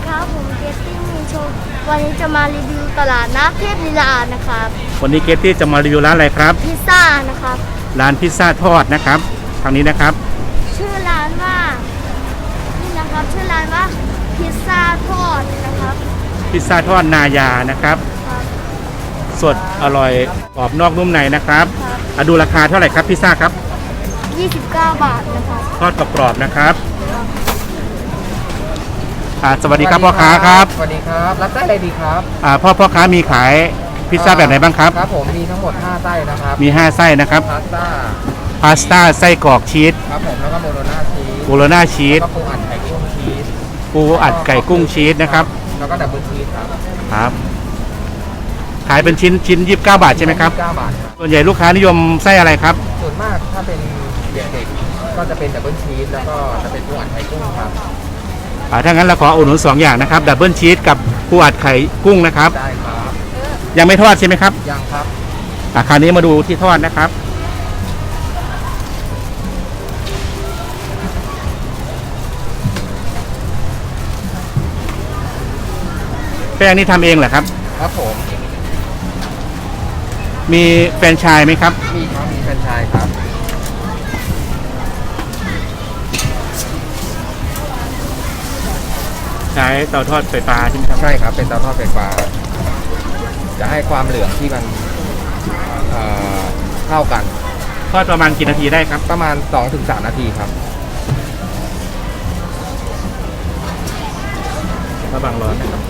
ครับผมเกตตี้มีโชว์วันนี้จะมารีวิวตลาดนัดเทพลีลานะครับวันนี้เกตตี้จะมารีวิวร้านอะไรครับพิซซ่านะครับร้านพิซซ่าทอดนะครับทางนี้นะครับชื่อร้านว่านี่นะครับชื่อร้านว่าพิซซ่าทอดนะครับพิซซ่าทอดนายานะครับสดอร่อยกรอบนอกนุ่มในนะครับดูราคาเท่าไหร่ครับพิซซ่าครับ 29 บาทนะครับทอดกรอบๆนะครับสวัสดีครับพ่อค้าครับสวัสดีครับรับไส้อะไรดีครับพ่อค้ามีขายพิซซ่าแบบไหนบ้างครับครับผมมีทั้งหมด5ไส้นะครับมี5ไส้นะครับพาสต้าไส้กรอกชีสครับผมแล้วก็โบโลน่าชีสแล้วก็ปูอัดไก่กุ้งชีสชีสนะครับแล้วก็ดับเบิลชีสครับขายเป็นชิ้น29 บาทใช่ไหมครับ 29 บาทส่วนใหญ่ลูกค้านิยมไส้อะไรครับส่วนมากถ้าเป็นเด็กๆก็จะเป็นดับเบิลชีสแล้วก็จะเป็นปูอัดไก่กุ้งครับถ้างั้นเราขออุดหนุน2อย่างนะครับดับเบิลชีสกับปูอัดไข่กุ้งนะครับได้ครับยังไม่ทอดใช่ไหมครับยังครับคราวนี้มาดูที่ทอดนะครับแป้งนี่ทำเองเหรอครับครับผมมีแฟรนไชส์ไหมครับมีครับมีแฟรนไชส์ครับใช้เตาทอดไฟฟ้าใช่ไหมครับใช่ครับเป็นเตาทอดไฟฟ้าจะให้ความเหลืองที่มันเท่ากันทอดประมาณกี่นาทีได้ครับประมาณ 2-3 นาทีครับระวังร้อนนะครับ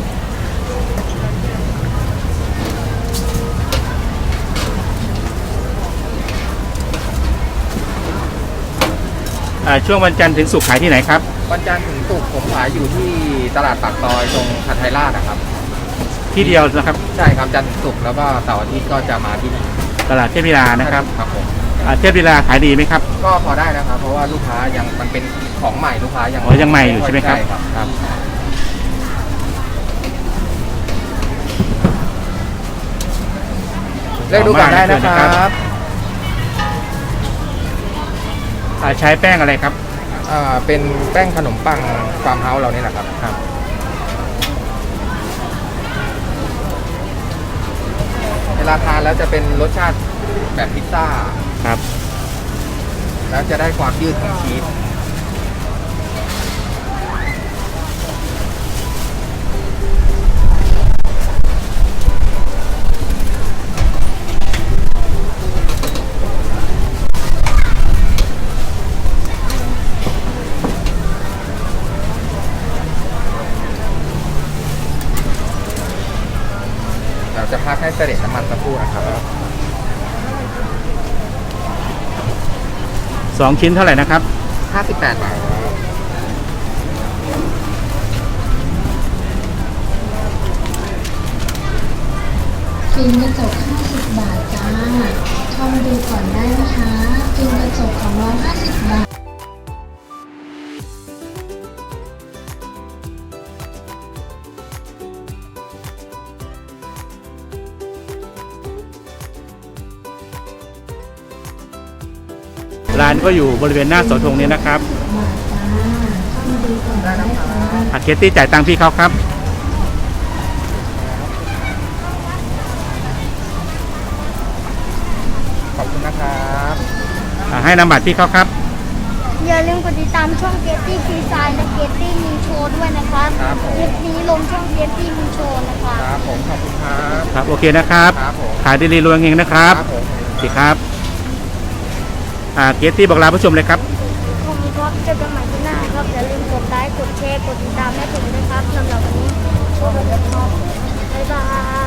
ช่วงวันจันทร์ถึงศุกร์ขายที่ไหนครับวันจันทร์ถึงศุกร์ผมขายอยู่ที่ตลาดปากซอยตรงหาดไทยราชนะครับที่เดียวนะครับใช่ครับจันทร์ถึงศุกร์แล้วก็เสาร์อาทิตย์ก็จะมาที่ตลาดเทพลีลานะครับครับผมเทพลีลาขายดีไหมครับก็พอได้นะครับเพราะว่าลูกค้ายังมันเป็นของใหม่ลูกค้ายังใหม่อยู่ใช่ไหมครับครับเลือกดูก่อนได้นะครับใช้แป้งอะไรครับเป็นแป้งขนมปังฟาร์มเฮาส์เรานี่แหละครับเวลาทานแล้วจะเป็นรสชาติแบบพิซซ่าครับแล้วจะได้ความยืดของชีสเราจะพักให้เสด็จน้ำมันสักครู่นะครับ 2 ชิ้นเท่าไหร่นะครับ 58 บาทฟิล์มกระจก50 บาทจ้าเข้ามาดูก่อนได้นะคะฟิล์มกระจกของเรา50 บาทร้านก็อยู่บริเวณหน้าเสาธงนี้นะครับเคตตี้จ่ายตังค์พี่เขาครับขอบคุณนะครับให้นำบัตรพี่เขาครับอย่าลืมกดติดตามช่องเกตตี้ฟรีสไตล์และเกตตี้มีโชว์ด้วยนะครับคลิปนี้ลงช่องเกตตี้มีโชว์นะครับครับผมขอบคุณครับครับโอเคนะครับขายดีๆรวยเฮงนะครับสวัสดีครับเกตตี้บอกลาผู้ชมเลยครับขอบคุณครับเจอกันใหม่ที่หน้าครับอย่าลืมกดไลค์กดแชร์กดติดตามให้ผมด้วยครับสำหรับวันนี้สวัสดีครับบ๊ายบาย